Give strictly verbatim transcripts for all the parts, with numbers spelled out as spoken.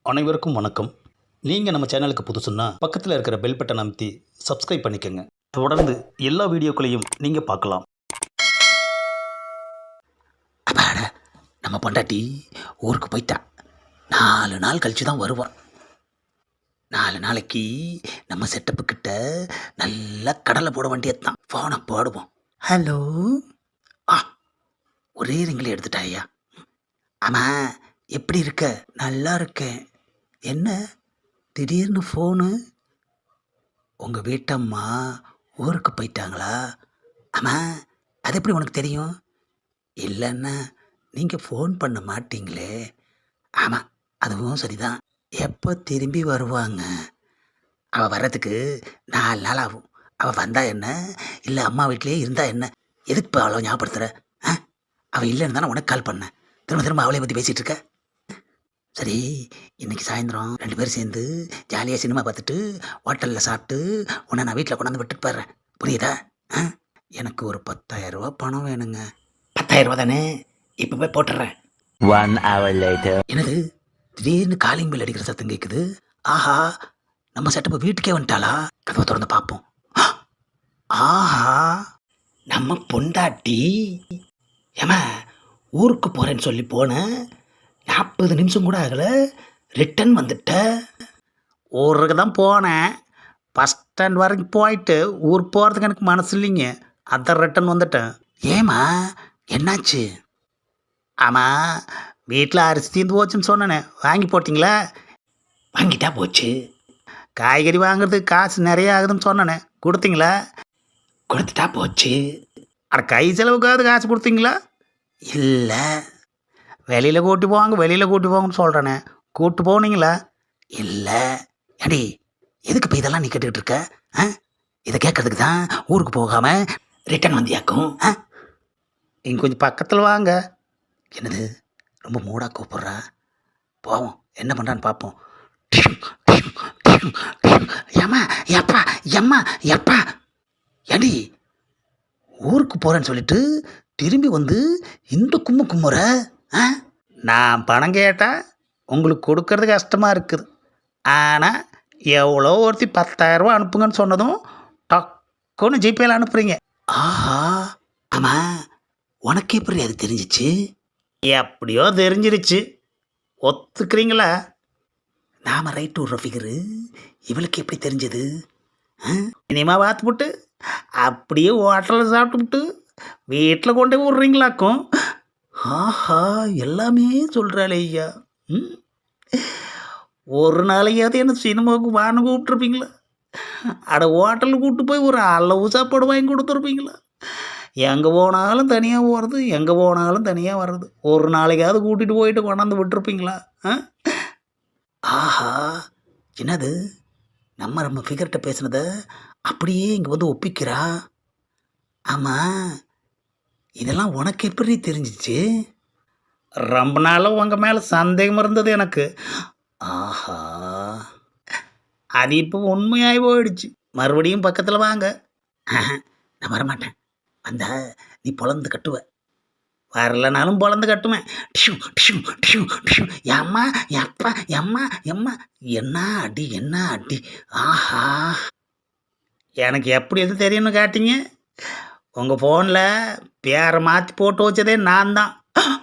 அனைவருக்கும் வணக்கம். நீங்கள் நம்ம சேனலுக்கு புதுசுன்னா பக்கத்தில் இருக்கிற பெல் பட்டன் அமைத்தி சப்ஸ்கிரைப் பண்ணிக்கோங்க. தொடர்ந்து எல்லா வீடியோக்களையும் நீங்கள் பார்க்கலாம். அப்பாடா, நம்ம பொண்டாட்டி ஊருக்கு போயிட்டா. நாலு நாள் கழிச்சு தான் வருவான். நாலு நாளைக்கு நம்ம செட்டப்பு கிட்ட நல்லா கடலை போட வேண்டியது தான். ஃபோனை போடுவோம். ஹலோ. ஆ, ஒரே ரிங்கில் எடுத்துட்டா ஐயா. ஆமாம், எப்படி இருக்க? நல்லா இருக்கேன். என்ன திடீர்னு ஃபோனு? உங்கள் வீட்டம்மா ஊருக்கு போயிட்டாங்களா? ஆமாம், அது எப்படி உனக்கு தெரியும்? இல்லைன்னா நீங்கள் ஃபோன் பண்ண மாட்டீங்களே. ஆமாம், அதுவும் சரிதான். எப்போ திரும்பி வருவாங்க? அவள் வர்றதுக்கு நாலு நாள் ஆகும். அவள் வந்தா என்ன, இல்லை அம்மா வீட்டிலே இருந்தா என்ன? எதுக்கு இப்போ அவ்வளோ ஞாபகப்படுத்துகிற? ஆ, அவள் இல்லைன்னு தானே உனக்கு கால் பண்ணேன். திரும்ப திரும்ப அவளை பற்றி பேசிகிட்டு இருக்க. சரி, இன்னைக்கு சாயந்தரம் ரெண்டு பேரும் சேர்ந்து ஜாலியாக சினிமா பார்த்துட்டு ஹோட்டலில் சாப்பிட்டு உன்னை நான் வீட்டில் கொண்டாந்து விட்டுட்டு போடுறேன். புரியுதா? ஆ, எனக்கு ஒரு பத்தாயிரம் ரூபா பணம் வேணுங்க. பத்தாயிரம் ரூபா தானே? இப்போ போய் போட்டுடுறேன். One hour later. என்னது திடீர்னு காலிங் பெல் அடிக்கிற சத்தம் கேட்குது. ஆஹா, நம்ம செட்டப்பை வீட்டுக்கே வந்துட்டாளா? கதவை திறந்து பார்ப்போம். ஆஹா, நம்ம பொண்டாட்டி. ஏமா, ஊருக்கு போகிறேன்னு சொல்லி போனேன். நாற்பது நிமிஷம் கூட ஆகலை, ரிட்டன் வந்துட்ட. ஊருக்கு தான் போனேன். பஸ் ஸ்டாண்ட் வரைக்கும் போயிட்டு ஊர் போகிறதுக்கு எனக்கு மனசு இல்லைங்க. அதான் ரிட்டன் வந்துட்டேன். ஏமா, என்னாச்சு? ஆமாம், வீட்டில் அரிசி தீர்ந்து போச்சுன்னு சொன்னேனே, வாங்கி போட்டிங்களா? வாங்கிட்டா போச்சு. காய்கறி வாங்குறதுக்கு காசு நிறைய ஆகுதுன்னு சொன்னேனே, கொடுத்தீங்களா? கொடுத்துட்டா போச்சு. அட, கை செலவுக்காவது காசு கொடுத்தீங்களா? இல்லை. வெளியில் கூட்டி போவாங்க வெளியில் கூட்டி போவாங்கன்னு சொல்கிறேனே, கூப்பிட்டு போனீங்களா? இல்லை. ஏடி, எதுக்கு இப்போ இதெல்லாம் நீ கேட்டுக்கிட்டு இருக்க? ஆ, இதை கேட்கறதுக்கு தான் ஊருக்கு போகாமல் ரிட்டன் வந்தியாக்கும். ஆ, இங்கே கொஞ்சம் பக்கத்தில் வாங்க. என்னது, ரொம்ப மூடாக கூப்பிட்றா. போவோம், என்ன பண்ணுறான்னு பார்ப்போம். ஏம்மா, எப்பா எம்மா எப்பா ஏடி, ஊருக்கு போகிறேன்னு சொல்லிட்டு திரும்பி வந்து இந்த கும்மு கும்முற. ஆ, நான் பணம் கேட்டால் உங்களுக்கு கொடுக்கறது கஷ்டமாக இருக்குது. ஆனால் எவ்வளோ ஒருத்தி பத்தாயிரரூபா அனுப்புங்கன்னு சொன்னதும் டக்குன்னு ஜிபேயில் அனுப்புகிறீங்க. ஆஹா, ஆமாம், உனக்கு எப்படி அது தெரிஞ்சிச்சு? எப்படியோ தெரிஞ்சிருச்சு. ஒத்துக்கிறீங்களா? நாம் ரைட்டு விட்ற ஃபிகரு இவளுக்கு எப்படி தெரிஞ்சது? இனிமா பார்த்துப்புட்டு அப்படியே ஹோட்டலில் சாப்பிட்டுவிட்டு வீட்டில் கொண்டு போய் விட்றீங்களாக்கும். ஆஹா, எல்லாமே சொல்கிறாளே ஐயா. ம், ஒரு நாளையாவது என்ன சினிமாவுக்கு வான்னு கூப்பிட்ருப்பீங்களா? அட, ஹோட்டலுக்கு கூப்பிட்டு போய் ஒரு அளவு சாப்பாடு வாங்கி கொடுத்துருப்பீங்களா? எங்கே போனாலும் தனியாக போகிறது, எங்கே போனாலும் தனியாக வர்றது. ஒரு நாளைக்காவது கூட்டிகிட்டு போயிட்டு கொண்டாந்து விட்டுருப்பீங்களா? ஆ, ஆஹா, என்னது, நம்ம நம்ம ஃபிகர்கிட்ட பேசுனத அப்படியே இங்கே வந்து ஒப்பிக்கிறா. ஆமாம், இதெல்லாம் உனக்கு எப்படி தெரிஞ்சிச்சு? ரொம்ப நாளும் உங்கள் மேலே சந்தேகம் இருந்தது எனக்கு. ஆஹா, அது இப்போ உண்மையாகி போயிடுச்சு. மறுபடியும் பக்கத்தில் வாங்க. நான் வரமாட்டேன். வந்தா நீ பொழந்து கட்டுவ. வரலனாலும் பொழந்து கட்டுவேன். டிஷு டிஷு டிஷு டிஷு. எம்மா எப்பா எம்மா எம்மா, என்ன அடி என்ன அடி. ஆஹா, எனக்கு எப்படி எது தெரியும்னு காட்டிங்க? உங்கள் ஃபோனில் பேரை மாற்றி போட்டு வச்சதே நான் தான்.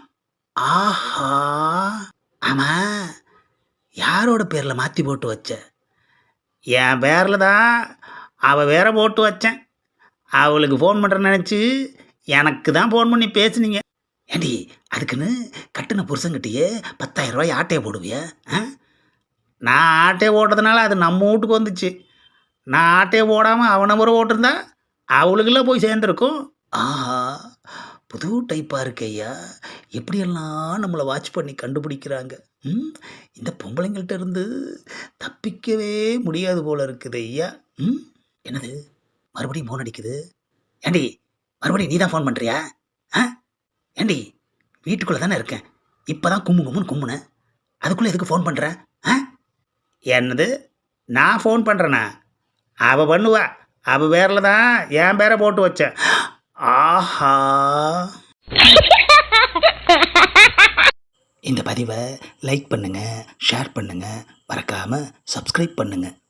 ஆஹா, ஆமாம், யாரோட பேரில் மாற்றி போட்டு வச்ச? என் பேரில் தான். அவள் வேற போட்டு வச்சேன். அவளுக்கு ஃபோன் பண்ணுறேன்னு நினச்சி எனக்கு தான் ஃபோன் பண்ணி பேசுனீங்க. ஏண்டி, அதுக்குன்னு கட்டின புருஷங்கிட்டேயே பத்தாயிரம் ரூபாய் ஆட்டையை போடுவிய? ஆ, நான் ஆட்டையை ஓட்டுறதுனால அது நம்ம வீட்டுக்கு வந்துச்சு. நான் ஆட்டையை போடாமல் அவனை முறை ஓட்டிருந்தா அவளுக்கெல்லாம் போய் சேர்ந்துருக்கும். ஆஹா, புது டைப்பாக இருக்கு ஐயா. எப்படியெல்லாம் நம்மளை வாட்ச் பண்ணி கண்டுபிடிக்கிறாங்க. ம், இந்த பொம்பளைங்கள்ட்ட இருந்து தப்பிக்கவே முடியாது போல இருக்குது ஐயா. ம், என்னது, மறுபடியும் ஃபோன் அடிக்குது. ஏண்டி, மறுபடியும் நீ தான் ஃபோன் பண்ணுறியா? ஆ, ஏண்டி, வீட்டுக்குள்ளே தானே இருக்கேன். இப்போ தான் கும்மு கும்முன்னு கும்முனேன். அதுக்குள்ளே எதுக்கு ஃபோன் பண்ணுறேன்? ஆ, என்னது, நான் ஃபோன் பண்ணுறேண்ணா? அவள் பண்ணுவா. அவள் பேரில் தான் என் பேரை போட்டு வச்சேன். ஆஹா, இந்த பதிவை லைக் பண்ணுங்கள், ஷேர் பண்ணுங்கள், மறக்காமல் சப்ஸ்கிரைப் பண்ணுங்கள்.